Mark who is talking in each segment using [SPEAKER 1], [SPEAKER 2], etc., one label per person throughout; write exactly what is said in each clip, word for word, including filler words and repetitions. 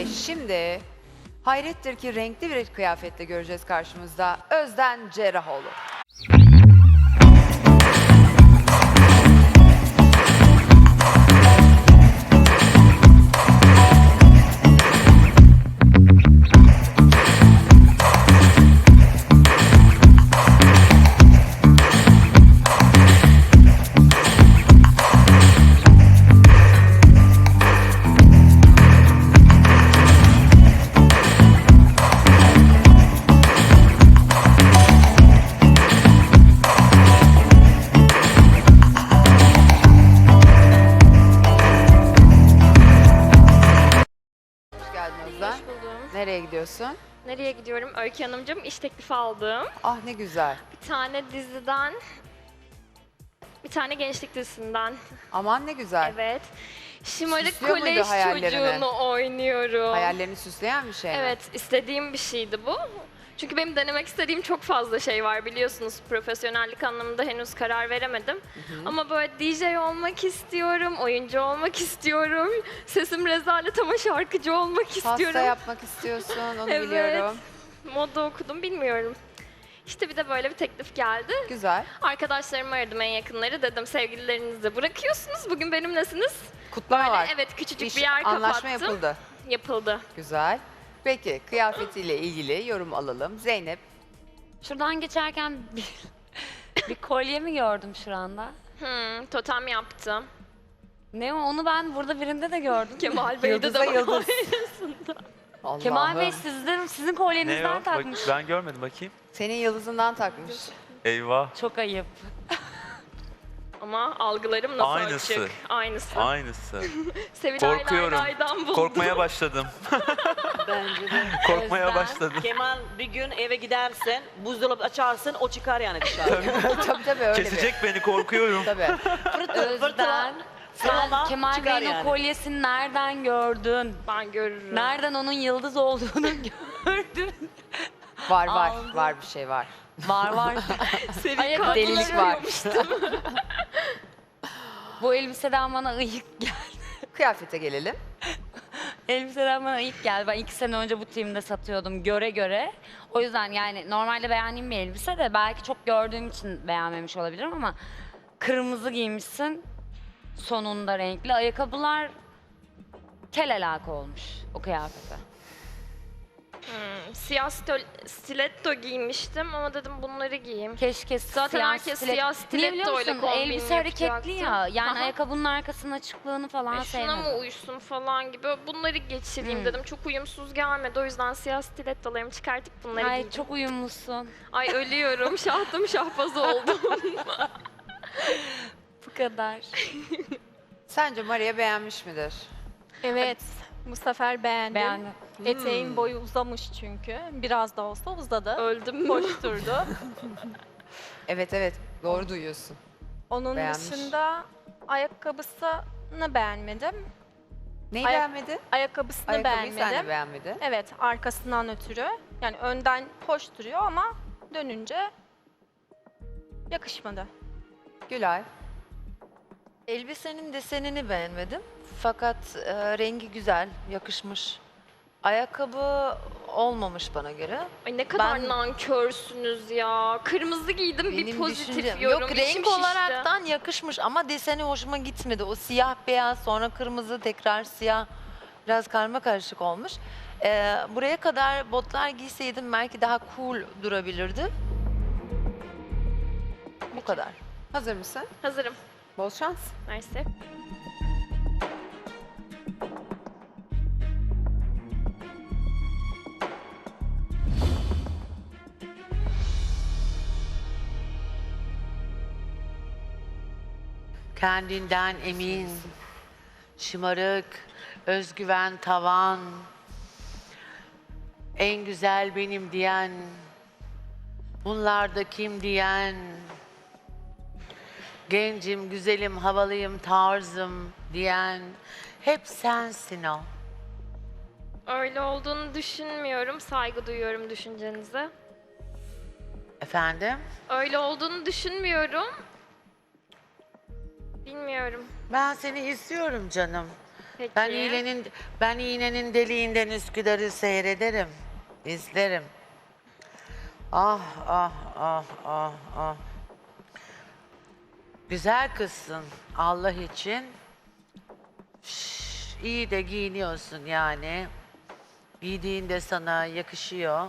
[SPEAKER 1] Ve şimdi hayrettir ki renkli bir kıyafetle göreceğiz karşımızda Özden Cerrahoğlu. Hoş geldin Özden.
[SPEAKER 2] Hoş buldum.
[SPEAKER 1] Nereye gidiyorsun?
[SPEAKER 2] Nereye gidiyorum? Öykü Hanımcığım iş teklifi aldım.
[SPEAKER 1] Ah ne güzel.
[SPEAKER 2] Bir tane diziden, bir tane gençlik dizisinden.
[SPEAKER 1] Aman ne güzel.
[SPEAKER 2] Evet. Şımarık
[SPEAKER 1] Süslüyor muydu
[SPEAKER 2] kolej
[SPEAKER 1] hayallerini?
[SPEAKER 2] çocuğunu oynuyorum.
[SPEAKER 1] Hayallerini süsleyen bir şey mi?
[SPEAKER 2] Evet, istediğim bir şeydi bu. Çünkü benim denemek istediğim çok fazla şey var biliyorsunuz. Profesyonellik anlamında henüz karar veremedim. Ama böyle D J olmak istiyorum, oyuncu olmak istiyorum. Sesim rezalet ama şarkıcı olmak
[SPEAKER 1] Pasta
[SPEAKER 2] istiyorum.
[SPEAKER 1] yapmak istiyorsun, onu
[SPEAKER 2] Evet.
[SPEAKER 1] biliyorum.
[SPEAKER 2] Moda okudum bilmiyorum. İşte bir de böyle bir teklif geldi.
[SPEAKER 1] Güzel.
[SPEAKER 2] Arkadaşlarımı aradım en yakınları. Dedim sevgililerinizi de bırakıyorsunuz. Bugün benimlesiniz.
[SPEAKER 1] Kutlama
[SPEAKER 2] Böyle
[SPEAKER 1] var.
[SPEAKER 2] evet küçücük
[SPEAKER 1] İş,
[SPEAKER 2] bir yer kapattım.
[SPEAKER 1] anlaşma yapıldı.
[SPEAKER 2] Yapıldı.
[SPEAKER 1] Güzel. Peki kıyafetiyle ilgili yorum alalım. Zeynep.
[SPEAKER 3] Şuradan geçerken bir, bir kolye mi gördüm şuranda?
[SPEAKER 2] Hmm, totem yaptım.
[SPEAKER 3] Ne o? Onu ben burada birinde de gördüm.
[SPEAKER 2] Kemal Bey'de
[SPEAKER 1] Yıldız'a
[SPEAKER 2] de var.
[SPEAKER 1] yıldız. Allah'ım.
[SPEAKER 3] Kemal Bey sizin, sizin
[SPEAKER 4] Ne
[SPEAKER 3] kolyenizden
[SPEAKER 4] o? Bak,
[SPEAKER 3] takmış.
[SPEAKER 4] ben görmedim bakayım.
[SPEAKER 1] Senin yıldızından takmış.
[SPEAKER 4] Eyvah.
[SPEAKER 3] Çok ayıp.
[SPEAKER 2] Ama algılarım nasıl
[SPEAKER 4] Aynısı.
[SPEAKER 2] açık. Aynısı.
[SPEAKER 4] Aynısı.
[SPEAKER 2] Sevilay
[SPEAKER 4] Korkuyorum.
[SPEAKER 2] Layla'dan buldum.
[SPEAKER 4] Korkmaya başladım.
[SPEAKER 5] Bence de.
[SPEAKER 4] Korkmaya
[SPEAKER 3] Özlem.
[SPEAKER 4] başladım.
[SPEAKER 5] Kemal bir gün eve gidersen, buzdolabı açarsın, o çıkar yani dışarı.
[SPEAKER 1] tabii tabii öyle
[SPEAKER 4] Kesecek beni, korkuyorum.
[SPEAKER 1] bir. Tabii.
[SPEAKER 5] Fırtı, fırtına,
[SPEAKER 3] Özden, sen
[SPEAKER 5] fırtına
[SPEAKER 3] Kemal
[SPEAKER 5] çıkar
[SPEAKER 3] Bey'in o
[SPEAKER 5] yani.
[SPEAKER 3] kolyesini nereden gördün?
[SPEAKER 2] Ben görürüm.
[SPEAKER 3] Nereden onun yıldız olduğunu gördün?
[SPEAKER 1] Var var.
[SPEAKER 3] Aldım.
[SPEAKER 1] Var bir şey var.
[SPEAKER 3] Var var. Ayakkabıları
[SPEAKER 1] Delilik var.
[SPEAKER 3] Bu elbiseden bana ıyık geldi.
[SPEAKER 1] Kıyafete gelelim.
[SPEAKER 3] Elbiseden bana ıyık geldi. Ben iki sene önce bu team'de satıyordum göre göre. O yüzden yani normalde beğendiğim bir elbise de belki çok gördüğüm için beğenmemiş olabilirim ama kırmızı giymişsin sonunda renkli. Ayakkabılar kel alaka olmuş o kıyafete.
[SPEAKER 2] Hmm, siyah stol- stiletto giymiştim ama dedim bunları giyeyim.
[SPEAKER 3] Keşke
[SPEAKER 2] Zaten
[SPEAKER 3] siyah
[SPEAKER 2] herkes
[SPEAKER 3] stilet-
[SPEAKER 2] siyah
[SPEAKER 3] Niye
[SPEAKER 2] stiletto
[SPEAKER 3] biliyor
[SPEAKER 2] ile
[SPEAKER 3] musun?
[SPEAKER 2] kombin
[SPEAKER 3] Elbise hareketli
[SPEAKER 2] yapacaktım.
[SPEAKER 3] ya. Yani
[SPEAKER 2] Aha.
[SPEAKER 3] ayakkabının arkasının açıklığını falan
[SPEAKER 2] E, şuna mı
[SPEAKER 3] sevmedim.
[SPEAKER 2] uysun falan gibi bunları geçireyim
[SPEAKER 3] Hmm.
[SPEAKER 2] dedim. Çok uyumsuz gelmedi. O yüzden siyah stilettolarımı çıkartıp bunları
[SPEAKER 3] Ay
[SPEAKER 2] giydim.
[SPEAKER 3] çok uyumlusun.
[SPEAKER 2] Ay ölüyorum. Şahtım şahbaz oldum.
[SPEAKER 3] Bu kadar.
[SPEAKER 1] Sence Maria beğenmiş midir?
[SPEAKER 6] Evet, bu sefer beğendim.
[SPEAKER 3] Beğendim.
[SPEAKER 6] Eteğin boyu uzamış çünkü. Biraz da olsa uzadı.
[SPEAKER 2] Öldüm mü?
[SPEAKER 6] Hoş durdu.
[SPEAKER 1] Evet evet. Doğru duyuyorsun.
[SPEAKER 6] Onun
[SPEAKER 1] Beğenmiş.
[SPEAKER 6] dışında ayakkabısını beğenmedim.
[SPEAKER 1] Neyi
[SPEAKER 6] Ayak-
[SPEAKER 1] beğenmedin?
[SPEAKER 6] Ayakkabısını
[SPEAKER 1] Ayakkabıyı sen de
[SPEAKER 6] beğenmedim.
[SPEAKER 1] beğenmedin.
[SPEAKER 6] Evet, arkasından ötürü. Yani önden hoş duruyor ama dönünce yakışmadı.
[SPEAKER 1] Gülay.
[SPEAKER 7] Elbisenin desenini beğenmedim. Fakat e, rengi güzel, yakışmış. Ayakkabı olmamış bana göre.
[SPEAKER 2] Ay ne kadar
[SPEAKER 7] Ben-
[SPEAKER 2] nankörsünüz ya. Kırmızı giydim bir
[SPEAKER 7] Benim
[SPEAKER 2] pozitif
[SPEAKER 7] düşüncem-
[SPEAKER 2] yorum.
[SPEAKER 7] Yok
[SPEAKER 2] İçim
[SPEAKER 7] renk
[SPEAKER 2] şişti.
[SPEAKER 7] olaraktan yakışmış ama deseni hoşuma gitmedi. O siyah beyaz sonra kırmızı tekrar siyah biraz karma karışık olmuş. E, buraya kadar botlar giyseydim belki daha cool durabilirdi. Bu kadar.
[SPEAKER 1] Hazır mısın?
[SPEAKER 2] Hazırım.
[SPEAKER 1] Bol şans.
[SPEAKER 2] Mersi.
[SPEAKER 8] Kendinden emin, şımarık, özgüven tavan, en güzel benim diyen, bunlar da kim diyen, gencim, güzelim, havalıyım, tarzım diyen, hep sensin o.
[SPEAKER 2] Öyle olduğunu düşünmüyorum. Saygı duyuyorum düşüncenize.
[SPEAKER 8] Efendim?
[SPEAKER 2] Öyle olduğunu düşünmüyorum. Bilmiyorum.
[SPEAKER 8] Ben seni istiyorum canım.
[SPEAKER 2] Peki.
[SPEAKER 8] Ben iğnenin ben iğnenin deliğinden Üsküdar'ı seyrederim, izlerim. Ah ah ah ah ah. Güzel kızsın Allah için. Şş, iyi de giyiniyorsun yani. Giydiğin de sana yakışıyor.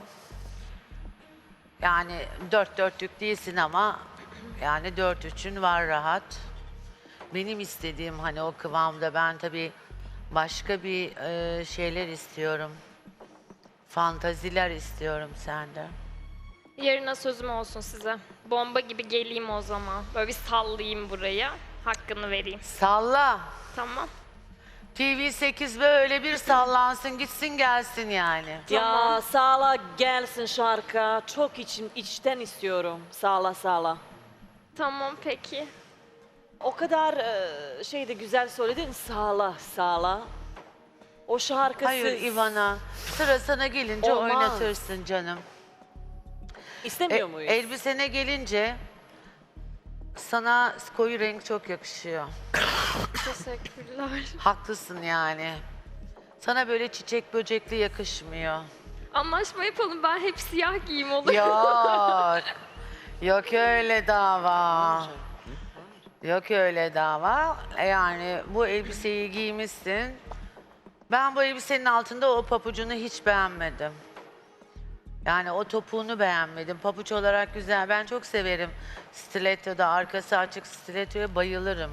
[SPEAKER 8] Yani dört dörtlük değilsin ama yani dört üçün var rahat. Benim istediğim hani o kıvamda ben tabii başka bir e, şeyler istiyorum. Fantaziler istiyorum senden.
[SPEAKER 2] Yarına sözüm olsun size. Bomba gibi geleyim o zaman. Böyle bir sallayayım buraya. Hakkını vereyim.
[SPEAKER 8] Salla.
[SPEAKER 2] Tamam.
[SPEAKER 8] T V sekiz böyle bir sallansın gitsin gelsin yani.
[SPEAKER 5] Ya sağla gelsin şarkı. Çok içim, içten istiyorum. Sağla sağla.
[SPEAKER 2] Tamam peki.
[SPEAKER 5] O kadar e, şey de güzel söyledin. Sağla sağla. O şarkısı...
[SPEAKER 8] Hayır Ivana sıra sana gelince
[SPEAKER 5] Olmaz.
[SPEAKER 8] oynatırsın canım.
[SPEAKER 5] İstemiyor
[SPEAKER 8] E,
[SPEAKER 5] muyuz?
[SPEAKER 8] elbisene gelince sana koyu renk çok yakışıyor.
[SPEAKER 2] Teşekkürler.
[SPEAKER 8] Haklısın yani. Sana böyle çiçek böcekli yakışmıyor.
[SPEAKER 2] Anlaşma yapalım. Ben hep siyah giyeyim olur.
[SPEAKER 8] Yok. Yok öyle dava. Yok öyle dava. E Yani bu elbiseyi giymişsin. Ben bu elbisenin altında o papucunu hiç beğenmedim. Yani o topuğunu beğenmedim. Papuç olarak güzel. Ben çok severim. Stiletto'da arkası açık stilettoya bayılırım.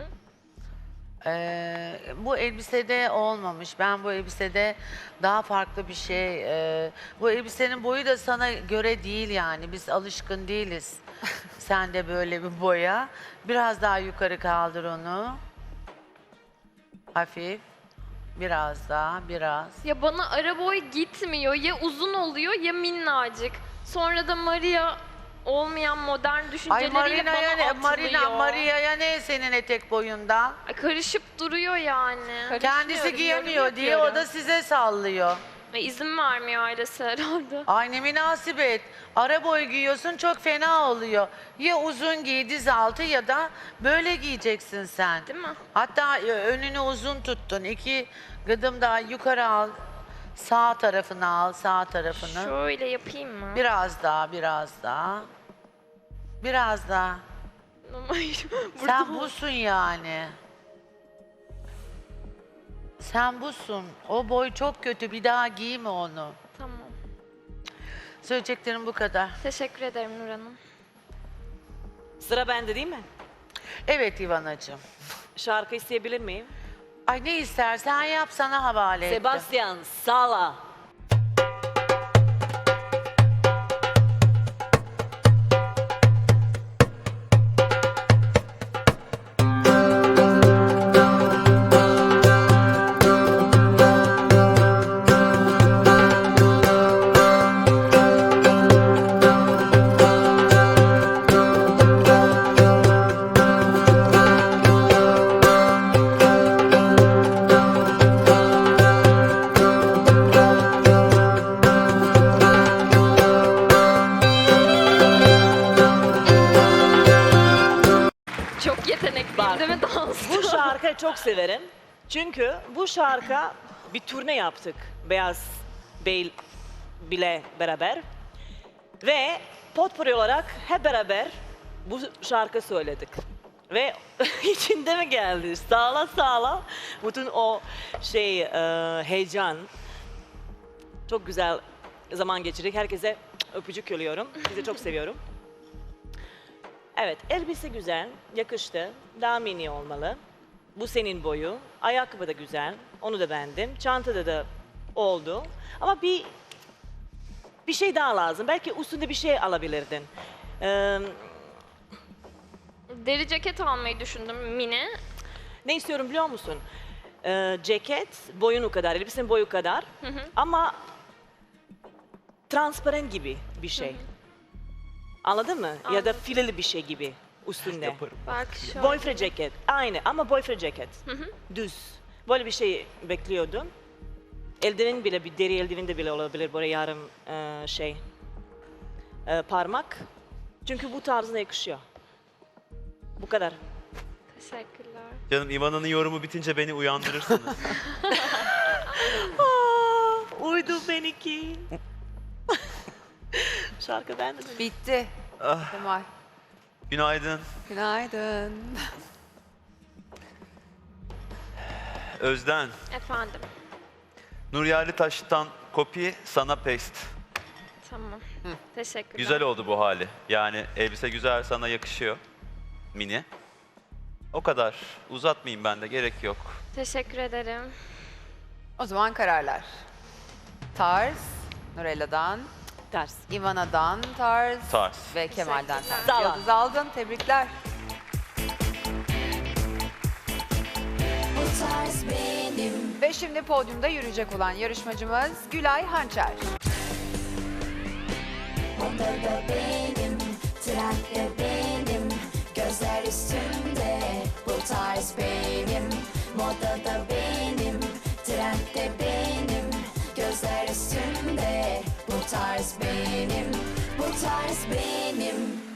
[SPEAKER 8] Ee, bu elbisede olmamış. Ben bu elbisede daha farklı bir şey. e, bu elbisenin boyu da sana göre değil yani. Biz alışkın değiliz. Sen de böyle bir boya. Biraz daha yukarı kaldır onu. Hafif. Biraz daha, biraz.
[SPEAKER 2] Ya bana ara boy gitmiyor. Ya uzun oluyor ya minnacık. Sonra da Maria olmayan modern
[SPEAKER 8] Ay
[SPEAKER 2] düşünceleriyle
[SPEAKER 8] Marina'ya
[SPEAKER 2] bana
[SPEAKER 8] ne,
[SPEAKER 2] atılıyor.
[SPEAKER 8] Marina, Maria'ya ne senin etek boyundan?
[SPEAKER 2] Ay, karışıp duruyor yani.
[SPEAKER 8] Kendisi giyemiyor
[SPEAKER 6] yorum
[SPEAKER 8] diye o da
[SPEAKER 6] yapıyorum.
[SPEAKER 8] size sallıyor.
[SPEAKER 2] Ve izin vermiyor ailesi herhalde.
[SPEAKER 8] Ay ne münasebet. Ara boy giyiyorsun çok fena oluyor. Ya uzun giy diz altı ya da böyle giyeceksin sen.
[SPEAKER 2] Değil mi?
[SPEAKER 8] Hatta e, önünü uzun tuttun. İki gıdım daha yukarı al. Sağ tarafını al, sağ tarafını.
[SPEAKER 2] Şöyle yapayım mı?
[SPEAKER 8] Biraz daha, biraz daha. Biraz daha.
[SPEAKER 2] Hayır. Burada
[SPEAKER 8] Sen busun yani. Sen busun. O boy çok kötü. Bir daha giyme onu.
[SPEAKER 2] Tamam.
[SPEAKER 8] Söyleyeceklerim bu kadar.
[SPEAKER 2] Teşekkür ederim Nur Hanım.
[SPEAKER 5] Sıra bende değil mi?
[SPEAKER 8] Evet İvanacığım.
[SPEAKER 5] Şarkı isteyebilir miyim?
[SPEAKER 8] Ay ne istersen yap sana havale ettim.
[SPEAKER 5] Sebastian Sala.
[SPEAKER 2] Çok yetenekliyim
[SPEAKER 5] Bak,
[SPEAKER 2] değil mi dansta?
[SPEAKER 5] Bu şarkıyı çok severim. Çünkü bu şarkı bir turne yaptık. Beyaz Bey bile beraber. Ve potpourri olarak hep beraber bu şarkı söyledik. Ve içinde mi geldi? Sağla sağla. Bütün o şey e, heyecan. Çok güzel zaman geçirdik. Herkese öpücük yolluyorum. Sizi çok seviyorum. Evet, elbise güzel, yakıştı. Daha mini olmalı. Bu senin boyu. Ayakkabı da güzel. Onu da beğendim. Çantada da oldu. Ama bir bir şey daha lazım. Belki üstünde bir şey alabilirdin. Ee,
[SPEAKER 2] Deri ceket almayı düşündüm mini.
[SPEAKER 5] ne istiyorum biliyor musun? Ee, ceket boyunu kadar, elbisenin boyu kadar. Ama transparan gibi bir şey. Anladın mı? Ya da
[SPEAKER 2] Anladım.
[SPEAKER 5] fileli bir şey gibi üstünde.
[SPEAKER 4] Yaparım.
[SPEAKER 2] Belki şöyle.
[SPEAKER 5] Boyfriend ceket. Aynı ama boyfriend ceket. Düz. Böyle bir şey bekliyordum. Eldiven bile, bir deri eldiven de bile olabilir böyle yarım e, şey e, parmak. Çünkü bu tarzına yakışıyor. Bu kadar.
[SPEAKER 2] Teşekkürler.
[SPEAKER 4] Canım İvan'ın yorumu bitince beni uyandırırsınız.
[SPEAKER 5] Uydu benimki. Şarkı bende mi?
[SPEAKER 1] Bitti.
[SPEAKER 4] Ah.
[SPEAKER 1] Kemal.
[SPEAKER 4] Günaydın.
[SPEAKER 1] Günaydın.
[SPEAKER 4] Özden.
[SPEAKER 2] Efendim.
[SPEAKER 4] Nur Yerlitaş'tan kopya, sana paste.
[SPEAKER 2] Tamam. Teşekkürler.
[SPEAKER 4] Güzel oldu bu hali. Yani elbise güzel, sana yakışıyor. Mini. O kadar. Uzatmayayım ben de, gerek yok.
[SPEAKER 2] Teşekkür ederim.
[SPEAKER 1] O zaman kararlar. Tarz, Nurella'dan,
[SPEAKER 5] Ters.
[SPEAKER 1] Ivana'dan tarz,
[SPEAKER 4] Tarz.
[SPEAKER 1] ve Kemal'den
[SPEAKER 2] Teşekkürler.
[SPEAKER 1] tarz.
[SPEAKER 5] Sağ ol.
[SPEAKER 1] Yıldız aldın, tebrikler. Ve şimdi podyumda yürüyecek olan yarışmacımız Gülay Hançer.
[SPEAKER 9] Modada benim, trendde benim, gözler üstünde, bu tarz benim. Modada benim, trendde benim, gözler üstünde, bu tarz benim, bu tarz benim.